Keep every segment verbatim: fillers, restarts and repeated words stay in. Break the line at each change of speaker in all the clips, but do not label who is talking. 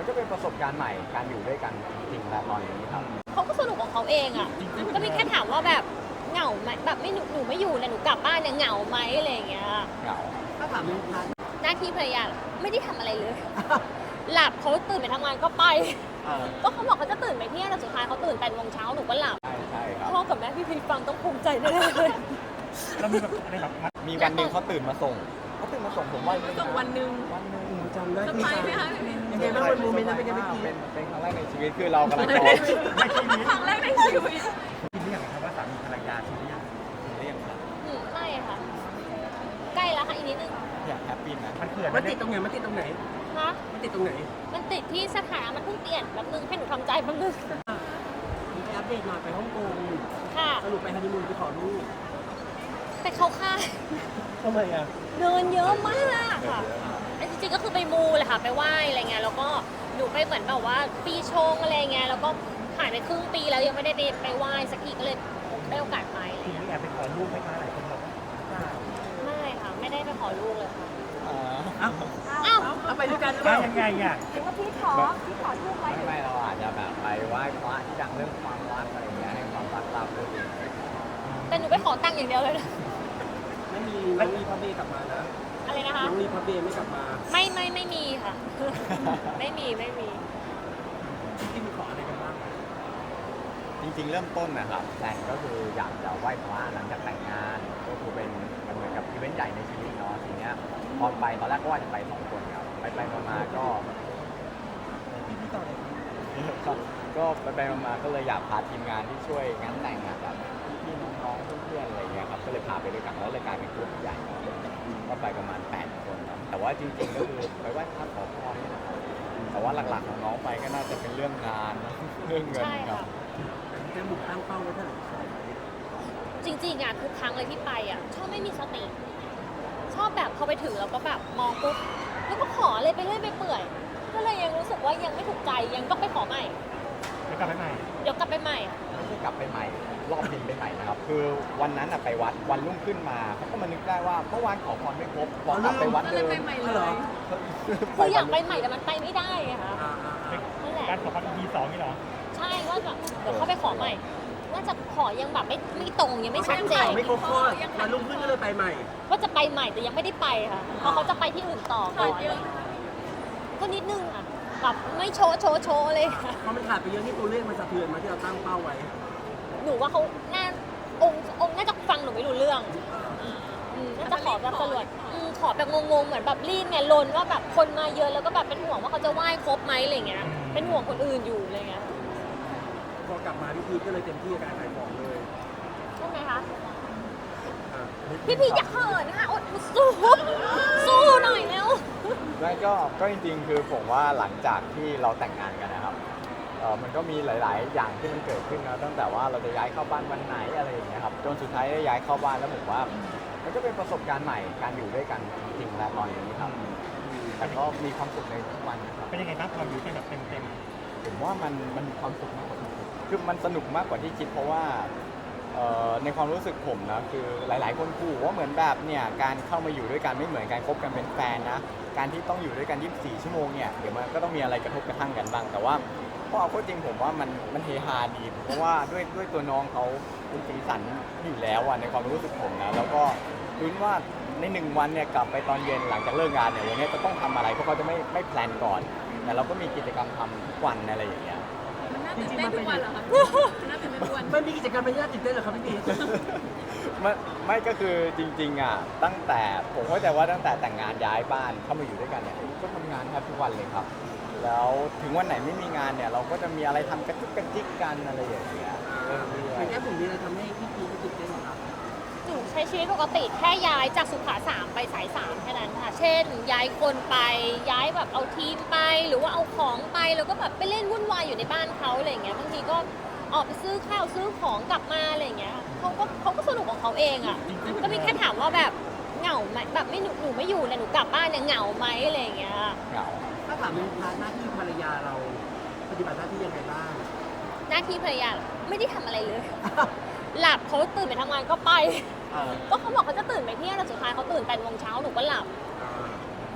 ก็เป็นประสบการณ์ใหม่การอยู่ด้วยกันจริงๆแล้วตอนนี้ครับ
เขาก็สนุกของเขาเองอ่ะก็มีแค่ถามว่าแบบเหงาไหมแบบไม่หนูหนูไม่อยู่เนี่ยหนูกลับบ้านเนี่ยเหงาไหมอะไรอย่างเงี้ย
เหงา
ถ้าถามในพาร์ท
หน้าที่ภรรยาไม่ได้ทำอะไรเลย หลับเขาตื่นไปทำงานก็ไปก็เขาบอกเขาจะตื่นไปเที่ยงแต่สุดท้ายเขาตื่นแปดโมงเช้าหนูก็หลับ
ใช่ใช่ครับ
พ่อกับแม่พี่พีฟังต้องภูมิใจแน่เลย
เรามีแบบอะไรแบบ
มีวันหนึ่งเขาตื่นมาส่งเขาตื่นมาส่งผมวันหนึง
ส่งวันหนึ่ง
วันหนึง
จำได้
เซอร์ไพรส์ไหมคะพี่พี
ยังไงบ้างวันโมเมนต์นั้นเป็นไงเมื่อกี้
เป็นเป็นครั้งแรกในชีวิตคือเรากำลังรอ
ในชีวิต
ครั้งแรกในชีวิต
คิดหรือยังครับว่าสามีภรรยาคิดหรือยัง
เรียกครับ
อืมไม่ค่ะ ใกล้แล้วค่ะอีกนิดนึง
อยากแฮปปี้นะ
มันเขื่อน
มันติดตรงไหนมันติดตรงไหน
ฮะ
มันติดตรงไหน
มันติดที่สถานะมันเพิ่งเปลี่ยนแป๊บนึงให้หนูทำใจแป๊บนึง
มีอัปเดตหน่อยไปฮ่องกง
ค่ะ
สรุปไปฮันนีมูนไปขอลูก
แต่เขาค่าย
ทำไมอ่ะ
เดินเยอะมากค่ะแต่จริงๆก็คือไปมูเลยค่ะไปไหว้อะไรเงี้ยแล้วก็หนูไปเหมือนแบบว่าปีชงอะไรเงี้ยแล้วก็ผ่านไปครึ่งปีแล้วยังไม่ได้ไปไปไหว้สักทีก็เลยได้โอกาสไปอะไร
ที
เงี้ย
นี้แอบไปขอรูปไหมคะหลายคนบอกว่า
ไม่ค่ะไม่ได้ไปขอลูกเลยค่ะ
อ๋อ
อ้าว
อ้าว
เอาไปด้วยกันหรือเป
ได้
ล่า
ยังไงอ่ะ
ว่าพี่ขอพี่ขอลูกไว้
ไม่ไม่เราอาจจะแบบไปไหว้พระที่ดังเรื่องความรักอะไรอย่างเงี้ยให้ความรักราบรื่น
แต่หนูไปขอตังค์อย่างเดียวเลยนะ
ไม่มีน้องรีพับเบย์กลับมานะ
อะไรนะคะ
น้องรีพับเบย์ไม่กลับมา
ไม่ไม่ไม่มีค่ะ ไม่มีไม่มี
ที่มีขออะไรกันบ้าง
จริงๆ เริ่มต้นนะครับแพลนก็คืออยากจะไหว้พระหลังจากแต่งงานก็คือเป็นมันเหมือนกับอีเวนต์ใหญ่ในชีวิตเนาะทีเนี้ยพอไปตอนแรกก็ว่าจะไปสองคนครับไปไปๆมาๆก็
พี่ต่อเลย
ครับก็ไปไปๆมาๆก็เลยอยากพาทีมงานที่ช่วยงานแต่งงานแบบพี่ๆน้องๆเพื่อนๆอะไรเงี้ยครับก็เลยพาไปด้วยกันแล้วเลยกลายเป็นกลุ่มใหญ่ก็ไปประมาณแปดคนครับแต่ว่าจริงๆก็คือไปไหว้พระขอพรนี่นะครับแต่ว่าหลักๆของน้องไปก็น่าจะเป็นเรื่องงานเรื่องเงิน
ใช่
ครั
ค่ะ
บ
แค่หมุกตั้งเป้าไว้เท่าไหร่
จริงๆอ่ะทุกครั้งเลยที่ไปอ่ะชอบไม่มีสติ ชอบแบบพอไปถึงแล้วก็แบบมองปุ๊บแล้วก็ขอเลยไปเรื่อยไปเปื่อย ก็เลยยังรู้สึกว่ายังไม่ถูกใจยังต้องไปขอใหม่
เดี๋ยวกลับไปใหม่
เดี๋ยวกลับไปใหม่
ไม่ใช่กลับไปใหม่รอบบินไปใหม่นะครับคือวันนั้นอะไปวัดวันรุ่งขึ้นมาเขาก็มานึกได้ว่าเมื่อวานขอพรไม่ครบพอกลับไปวัด
ก็
เดิ
เลย
ม
ไปใหม่
อ๋อ
เล
เหรอ
ย
คืออยากไปใหม่แต่มันไปไม่ได้ไงคะ
อ่าอ่าอ่า
นั่นแหละ
การขอพัก อี พี สองนี่เหรอ
ใช่ว่าแบบเดี๋ยวเข้าไปขอใหม่น่าจะขอยังแบบไม่ไม่ตรงยังไม่ชัดเจน
ไม่ครบข้อวันรุ่งขึ้นก็เลยไปใหม่
ว่าจะไปใหม่แต่ยังไม่ได้ไปค่ะเพราะเขาจะไปที่อื่นต่อก่
ขา
อ
ด
น
เยอะ
ก็นิดนึงอ่ะแบบไม่โชว์โชว์โชว์เลยค่ะ
เพราะมันขาดไปเยอะที่ตัวเลขมันสะเทือนมาที่เราตั้งเป้าไว้
หนูว่าเขาน่าองค์องค์น่าจะฟังหนูไม่รู้เรื่องอืมน่าจะขอแบบสรวจอืมขอแบบงงๆเหมือนแบบรีบไงลนว่าแบบคนมาเยอะแล้วก็แบบเป็นห่วงว่าเขาจะไหว้ครบไหมอะไรเงี้ย เป็นห่วงคนอื่นอยู่อะไรเงี้ย
พอกลับมาพี่พีก็เลยเต็มที่กับการขายของเลย
ใช่ไหมคะ
อ่ะ
พี่พีอย่าเขินค่ะอดสู้สู้หน่อยแล้ว
ไม่ก็ก็จริงๆ คือผมว่าหลังจากที่เราแต่งงานกันนะครับเออมันก็มีหลาย ๆ อย่างที่มันเกิดขึ้นนะตั้งแต่ว่าเราจะย้ายเข้าบ้านวันไหนอะไรอย่างเงี้ยครับจนสุดท้ายได้ย้ายเข้าบ้านแล้วผมว่า มันก็เป็นประสบการณ์ใหม่การอยู่ด้วยกันจริงๆแล้วตอนนี้ครับแต่ก็มีความสุขในทุกวันนะครับ
เป็นยังไงบ้างความอยู่ที่แบบเต็มเต็ม
ผมว่ามันมันมีความสุขมากกว่าที่คิดคือมันสนุกมากกว่าที่คิดเพราะว่าเอ่อในความรู้สึกผมนะคือหลาย ๆ คนขู่ว่าเหมือนแบบเนี่ยการเข้ามาอยู่ด้วยกันไม่เหมือนการคบกันเป็นแฟนนะการที่ต้องอยู่ด้วยกันยี่สิบสี่ชั่วโมงเนี่ยเดี๋ยวมันก็ต้องมีอะไรกระทบกระทั่งกันบ้างแต่ว่าพอเอาเข้าจริงผมว่ามันมันเฮฮาดีเพราะว่าด้วยด้วยตัวน้องเขาเป็นสีสันอยู่แล้วอะในความรู้สึกผมนะแล้วก็ลุ้นว่าในหนึ่งวันเนี่ยกลับไปตอนเย็นหลังจากเลิกงานเนี่ยวันนี้จะต้องทำอะไรเพราะเขาจะไม่ไม่แพลนก่อนแต่เราก็มีกิจกรรมทำทุกวันอะไรอย่างเงี้ย
มันน่าตื่นเต้นทุกวันเหรอคะมันน่าตื่นเต้นทุกวัน
มันมีกิจกรรมเป็นน่าตื่นเต้นเหรอครับพี่พี
ไม่ไม่ก็คือจริงๆอ่ะตั้งแต่ผมเข้าใจว่าตั้งแต่แต่งงานย้ายบ้านเข้ามาอยู่ด้วยกันเนี่ยก็ทำงานแทบทุกวันเลยครับ แล้วถึงวันไหนไม่มีงานเนี่ยเราก็จะมีอะไรทำกระจุกกระจิกกันอะไรอย่างเงี้ยเรื่อย
อย่างแค่ผมมีอะไรทำให้พี่พีก็ตื่นเต้นเหรอครับ
หนูใช้ชีวิตปกติแค่ย้ายจากสุขาสามไปสายสามแค่นั้นค่ะ เช่น ย้ายคนไปย้ายแบบเอาทีมไปหรือว่าเอาของไปแล้วก็แบบไปเล่นวุ่นวายอยู่ในบ้านเขาอะไรอย่างเงี้ยบางทีก็ออกไปซื้อข้าวซื้อของกลับมาอะไรอย่างเงี้ยเขาก็เขาก็สนุกของเขาเองอ่ะก็มีแค่ถามว่าแบบเหงาไหมแบบไม่หนูหนูไม่อยู่เนี่ยหนูกลับบ้านเนี่ยเหงาไหมอะไรอย่างเงี้ย
ๆเหงา
ถ้าถามในพาร์ทหน้าที่ภรรยาเราปฏิบัติหน้าที่ยังไงบ้าง
หน้าที่ภรรยาไม่ได้ทำอะไรเลย หลับเขาตื่นไปทำงานก็ไป
อ่า
ก็เขาบอกเขาจะตื่นไปเที่ยงแต่สุดท้ายเขาตื่นแปดโมงเช้าหนูก็หลับ
อ่า
มี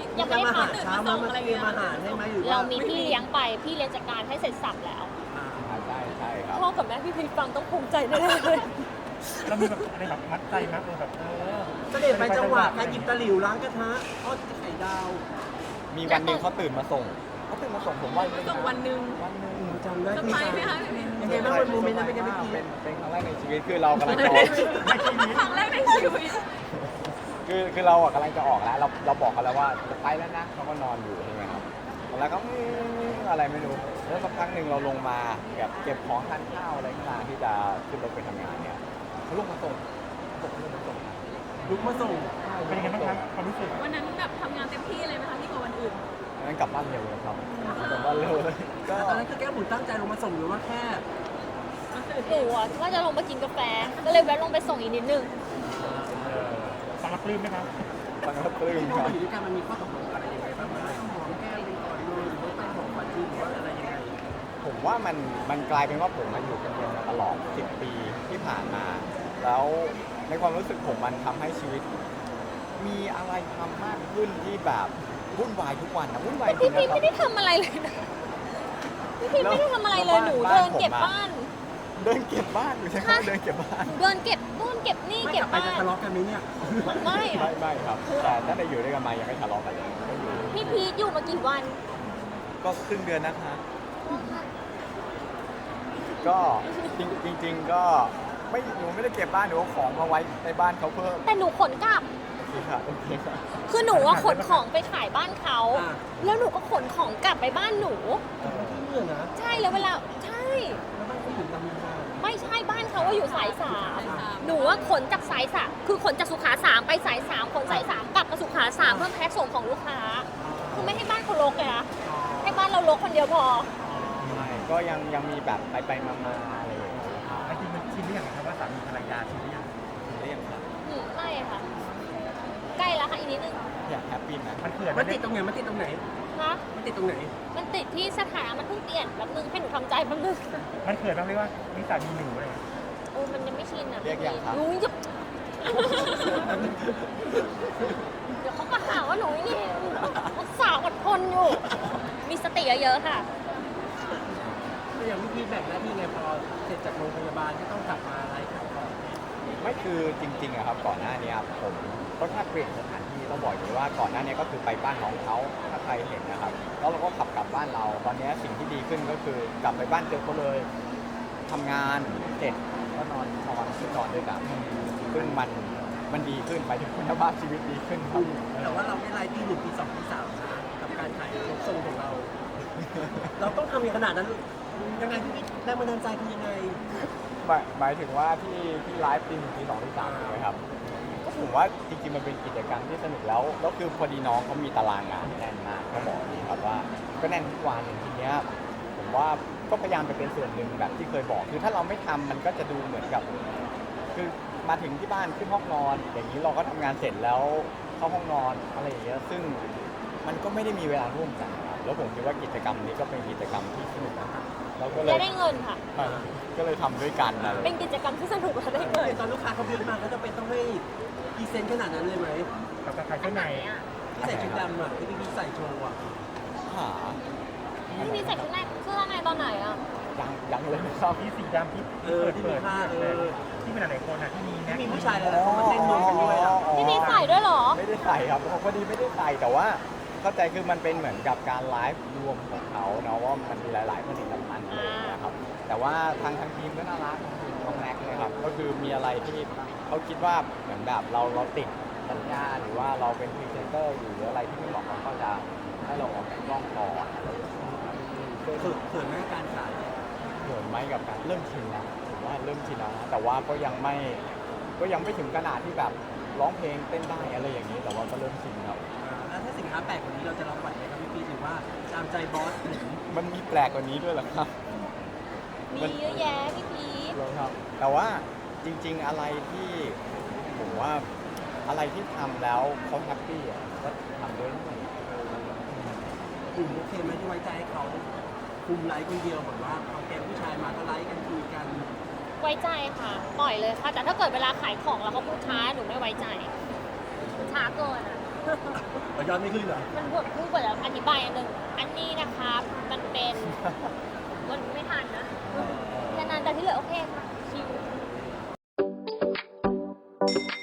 ยังไม่ได้
มาหา
ทำ
เช้ามามาเตรียมอาหารให้ไหมหรือว่า
เรามีพี่เลี้ยงไปพี่เลี้ยงจัดการให้เสร็จสับแล้ว
อ่า
ใช่ใช่ครับ
พ่อกับแม่พี่พีฟังต้องภูมิใจแน่ๆเลย
เรามีแบบอะไรแบบมัดใจมั้ยเออแบบเออ
เสด็จไปจังหวะการหยิบตะหลิวล้างกระทะทอดไข่ดาว
มีวันหนึ่งเขาตื่นมาส่งเขาตื่นมาส่งผมวันหนึง
ส่งวันหนึ่ง
วันหนึ่ง
จำได้
เซอร์
พี่
ไพรส์ไหมคะพี่
ยังไงบ้างวันโมเมนต์นั้นเป็นยังไงพี่
เป็นเป็นครั้งแรกในชีวิตคือเรากำลังจะออก
ไม่ชีวิต
ครั้งแรกในชีวิต
คือคือเราอะกำลังจะออกแล้วเราเราบอกเขาแล้วว่าจะไปแล้วนะเขาก็นอนอยู่ใช่ไหมครับแล้วก็อืมอะไรไม่รู้แล้วสักพักหนึ่งเราลงมาแบบเก็บของทานข้าวอะไรขึ้นมาที่จะขึ้นรถไปทำงานเนี่ยเขาลงมาส่งส่งลงมาส่ง
ลุกมาส่ง
เป็นยังไงบ้างครับความรู้สึก
วันนั้นแบบทำงานเต็มที่เลยไหมคะที่กว่าวันอื่น
งั้นกลับบ้านเร็วเลยครับกลับบ้านเร็วเลยก็
ตอนนั้นคือแก้วบุญตั้งใจลงมาส่งหรือว่าแค่
หนูอะว่าจะลงไปกินกาแฟ ก็เลยแวะลงไปส่งอีกนิดนึง
เออฟังรับปลื้มไหมครับ
ฟังแล้วปลื้ม
ที่
ค
เรา
รับ
อยู่ด้วยกันมันมีข้อตกลงอะไรยังไงบ้างไหมหอมแก้มเป็นก่อนเลยหรือว่าไปหอมฝันจริงหรือว่าอะไรยังไง
ผมว่ามันมันกลายเป็นว่าผมมาอยู่กันเดียวมาตลอดสิบปีที่ผ่านมา แล้วในความรู้สึกผมมันทำให้ชีวิต มีอะไรทำมากขึ้นที่แบบวุ่นวายทุกวันนะวุ่นวายจริ
พี่
ง
พี
นะครั
ไม่
บ
ได้ทำอะไรเลยนะพี่พีไม่ได้ทำอะไรเลย หนูเดินเก็บบ้าน
เดินเก็บบ้านอยู่ใช่ไหมเดินเก็บบ้าน
หนูเดินเก็บนู่นเก็บนี่
ไม่
เก็
ก
บ
ลับไป
บ้า
จะ
น
ทะเลาะกันไหมเนี่ย
ไม่อะ
ไม่ไม่ครับ แต่ตั้งแต่อยู่ด้วยกันมายังไม่ทะเลาะกันเลยก็อยู่
พี่พีทอยู่มากี่วัน
ก็ครึ่งเดือนนะคะ ก็จริงจริง ๆ ก็ไม่หนูไม่ได้เก็บบ้านหนูเอาของมาไว้ในบ้านเขาเพิ่ม
แต่หนูขนกลับ
โอเคค่ะโอเคค่ะ
คือหนูว่าขนของไปขายบ้านเขา
อ่า
แล้วหนูก็ขนของกลับไปบ้านหนู
ที่เนี่ยนะ
ใช่แล้วเวลา ใช่
แล้วบ้านเขาอยู่ลำพูน
ไม่ใช่บ้านเขาว่าอยู่สายสามหนูว่าขนจากสายสามคือขนจากสุขาสามไปสายสามขนสายสามกลับมาสุขาสามเพื่อแพ็คส่งของลูกค้า คือไม่ให้บ้านเขารกเลยนะให้บ้านเรารกคนเดียวพอ
ไม่ก็ยังยังมีแบบไปไปมามาอะไรอย่างเงี้ย
จริงๆมันชินหรือยังครับว่าสามีภรรยาชินหรือยัง
เรียกครับ
อืมไม่ค่ะ ใกล้แล้วค่ะอีกนิดนึง
อยากแฮปปี้นะ
มันเขื่อน
มันติดตรงไหนมันติดตรงไหน
นะ
มันติดตรงไหน
มันติดที่สถานะมันเพิ่งเปลี่ยนแป๊บนึงให้หนูทำใจแป๊บนึง
มันเขื่อนบ้างเรียกว่ามีสามีหนูอะไรอย่างเงี้ย
โอ้มันยังไม่ชินอ่ะ
เรียกยังครับ
หนูจะเดี๋ยวเขาก็หาว่าหนูนี่รักษาอดทนอยู่ มีสติเยอะๆค่ะ
ก็อย่างพี่พีแบ่งหน้าที่ไงพอเสร็จจากโรงพยาบาลก็ต้องกลับมาไลฟ์ขายของ
ไม่คือจริงๆอะครับก่อนหน้านี้ผมก็แค่เปลี่ยนสถานที่ต้องบอกอย่างนี้ว่าก่อนหน้านี้ก็คือไปบ้านน้องเขาถ้าใครเห็นนะครับแล้วเราก็ขับกลับบ้านเรา ตอนนี้สิ่งที่ดีขึ้นก็คือกลับไปบ้านเจอเขาเลยทำงานเสร็จก็นอนนอนขึ้นนอนด้วยกันซึ่งมันมันดีขึ้นไปถึงคุณภาพชีวิตดีขึ้นครับ
แต่ว่าเราไม่ไลฟ์ที่หนึ่งที่สองที่สามนะกับการขายรถทรงของเรา เราต้องทำอย่างขนาดนั้นยังไงพี่พีแรงบันดาลใจคือยังไง
หมายหมายถึงว่าที่ที่ไลฟ์ตีหนึ่งตีสองตีสามถูกไหมครับก็ผมว่าจริงๆมันเป็นกิจกรรมที่สนุกแล้วแล้วคือพอดีน้องเขามีตารางงานแน่นมากเขาบอกนี่ครับว่าก็แน่นทุกวันทีเนี้ยผมว่าก็พยายามไปเป็นส่วนหนึ่งแบบที่เคยบอกคือถ้าเราไม่ทำมันก็จะดูเหมือนกับ คือมาถึงที่บ้านขึ้นห้องนอน อย่างนี้เราก็ทำงานเสร็จแล้วเข้าห้องนอนอะไรอย่างเงี้ยซึ่งมันก็ไม่ได้มีเวลาร่วมกันครับแล้วผมคิดว่ากิจกรรมนี้ก็เป็นกิจกรรมที่สนุกนะครับเราก็เล
จะ
ย
ได้เงินค่ะ
เออก็เลยทำด้วยกันอะไร
เป็นกิจกรรมที่สนุกและได้เงิน
ตอนลูกค้าเขาบีบมาก็จะเป็นต้องให้พรีเซนต์ขนาดนั้นเลยไหม
กับการขายเสื้อใน
ที่ใส่ชุดดำอ่ะที่พี่พีใส่โชว์อ่ะ
หา
พี่มีใส่ชุดในเสื้อในตอนไหนอ่ะ
ยังยังเลยครับ
ที่สีดำที่
เออที่มีผ้าเออ
ที่เป็นหลายๆคนนะที่มี
ที่
แน็ก
มีผู้ชายหลายๆคนมาเต้นรวมกันด้วยอ่ะ
พี่มีใส่ด้วยเหรอ
ไม่ได้ใส่ครับพอดีไม่ได้ใส่แต่ว่าเข้าใจคือมันเป็นเหมือนกับการไลฟ์รวมของเขาเนาะว่ามันมีหลาย ๆ ผลิตภัณฑ์อะไรอย่างเงี้ยครับแต่ว่าทางทางทีมก็น่ารักน้องแม็กซ์เลยครับก็คือมีอะไรที่เขาคิดว่าเหมือนแบบเราเราติดสัญญาหรือว่าเราเป็นพรีเซนเตอร์อยู่หรืออะไรที่ไม่เหมาะเขาก็จะให้เราออกจากกล้องก่อนอะไรอย่างเงี้ยครับ
ฝึกเขินแม่การขาย
เหมือนไหมกับการเริ่มชินแล้วผมว่าเริ่มชินแล้วนะแต่ว่าก็ยังไม่ก็ยังไม่ถึงขนาดที่แบบร้องเพลงเต้นได้อะไรอย่างนี้ แต่ว่าก็เริ่มชินครับ
แล้วถ้าสินค้าแปลกกว่านี้เราจะรับไหวไหมครับพี่พีหรือว่าตามใจบอสหรือ
มันมีแปลกกว่านี้ด้วยเหรอครับ
มีเยอะแยะพี่พีท
เหรอครับ แต่ว่าจริง ๆอะไรที่ผมว่าอะไรที่ทำแล้วเขาแฮปปี้อ่ะก็ทำด้วย
กลุ่มโอเคไหมที่ไว้ใจให้เขาคุมไลฟ์คนเดียวแบบว่าเอาแกงผู้ชายมาก็ไลฟ์กันคุยกัน
ไว้ใจค่ะ ปล่อยเลยค่ะ แต่ถ้าเกิดเวลาขายของแล้วเขาพูดช้าหนูไม่ไว้ใจช้าเกินอ่ะ
เราย้อนไม่ขึ้นเหรอ
มันบทพูดกว่าจะอธิบายอันหนึ่งอันนี้นะครับ มันเป็นมันไม่ทันนะแค่นั้นแต่ที่เหลือโอเคค่ะชิว